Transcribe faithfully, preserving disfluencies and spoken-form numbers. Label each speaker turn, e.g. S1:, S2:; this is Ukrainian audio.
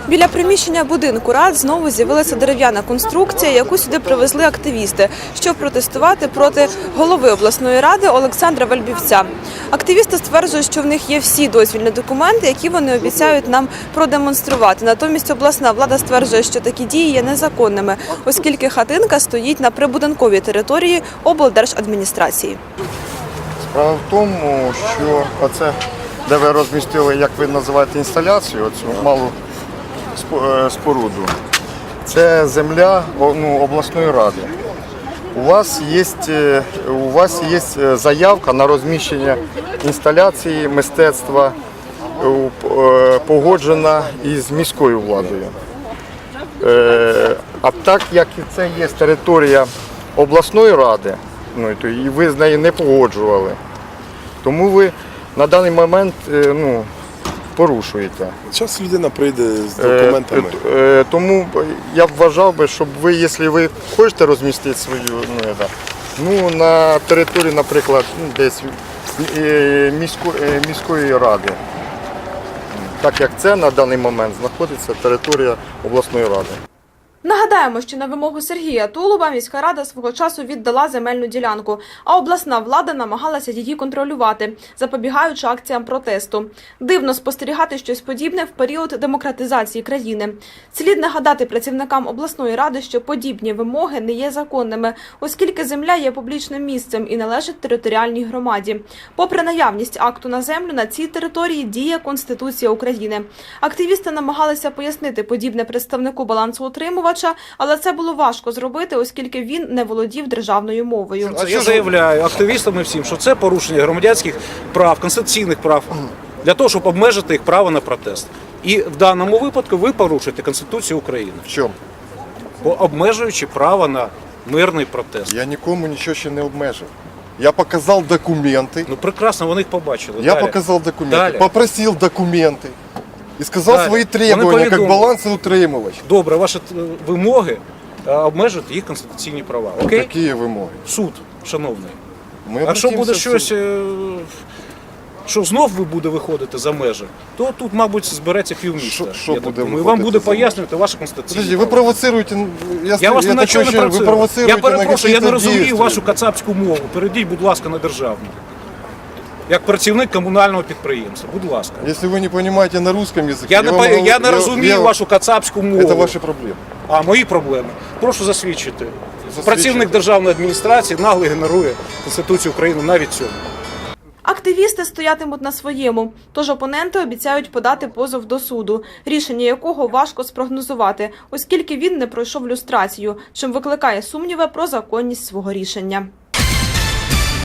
S1: Біля приміщення будинку рад знову з'явилася дерев'яна конструкція, яку сюди привезли активісти, щоб протестувати проти голови обласної ради Олександра Вельбівця. Активісти стверджують, що в них є всі дозвільні документи, які вони обіцяють нам продемонструвати. Натомість обласна влада стверджує, що такі дії є незаконними, оскільки хатинка стоїть на прибудинковій території облдержадміністрації.
S2: Справа в тому, що оце, де ви розмістили, як ви називаєте, інсталяцію, оцю малу споруду, це земля ну, обласної ради. У вас є, у вас є заявка на розміщення інсталяції мистецтва, погоджена із міською владою. А так як це є територія обласної ради, ну, і ви з нею не погоджували, тому ви на даний момент ну, порушуєте.
S3: Зараз людина прийде з документами.
S2: Е, е, тому я б вважав би, щоб ви, якщо ви хочете розмістити свою, ну, ну на території, наприклад, ну, десь місько, міської ради, так як це на даний момент знаходиться територія обласної ради.
S1: Нагадаємо, що на вимогу Сергія Тулуба міська рада свого часу віддала земельну ділянку, а обласна влада намагалася її контролювати, запобігаючи акціям протесту. Дивно спостерігати щось подібне в період демократизації країни. Слід нагадати працівникам обласної ради, що подібні вимоги не є законними, оскільки земля є публічним місцем і належить територіальній громаді. Попри наявність акту на землю, на цій території діє Конституція України. Активісти намагалися пояснити подібне представнику балансоутримувача, але це було важко зробити, оскільки він не володів державною мовою.
S4: Я заявляю активістам і всім, що це порушення громадянських прав, конституційних прав, для того, щоб обмежити їх право на протест. І в даному випадку ви порушуєте Конституцію України.
S2: В чому?
S4: Обмежуючи право на мирний протест.
S2: Я нікому нічого ще не обмежив. Я показав документи.
S4: Ну прекрасно, вони їх побачили.
S2: Я
S4: Далі.
S2: показав документи,
S4: Далі.
S2: попросив документи. І сказав
S4: Далі.
S2: свої требування, як балансоутримувач.
S4: Добре, ваші вимоги обмежують їх конституційні права. Окей?
S2: Які вимоги?
S4: Суд, шановний.
S2: Ми
S4: а що буде щось,
S2: це...
S4: що знов ви буде виходити за межі, то тут, мабуть, збереться півміста.
S2: Що, що буде
S4: І вам буде пояснювати ваші конституційні
S2: Подожди, ви провоцируєте, я,
S4: я вас
S2: я
S4: ні на чого не
S2: ви провоцируєте.
S4: Я перепрошую, я не розумію
S2: дійстві.
S4: вашу кацапську мову. Перейдіть, будь ласка, на державну. Як працівник комунального підприємства, будь ласка.
S2: Якщо ви не розумієте на русском язикі,
S4: я, я не,
S2: вам,
S4: я, я не
S2: я,
S4: розумію
S2: я,
S4: вашу кацапську мову.
S2: Це ваші проблеми.
S4: А, мої проблеми. Прошу засвідчити.
S2: Засвідчити.
S4: Працівник державної адміністрації нагло генерує Конституцію України навіть цьому.
S1: Активісти стоятимуть на своєму, тож опоненти обіцяють подати позов до суду, рішення якого важко спрогнозувати, оскільки він не пройшов люстрацію, чим викликає сумніви про законність свого рішення.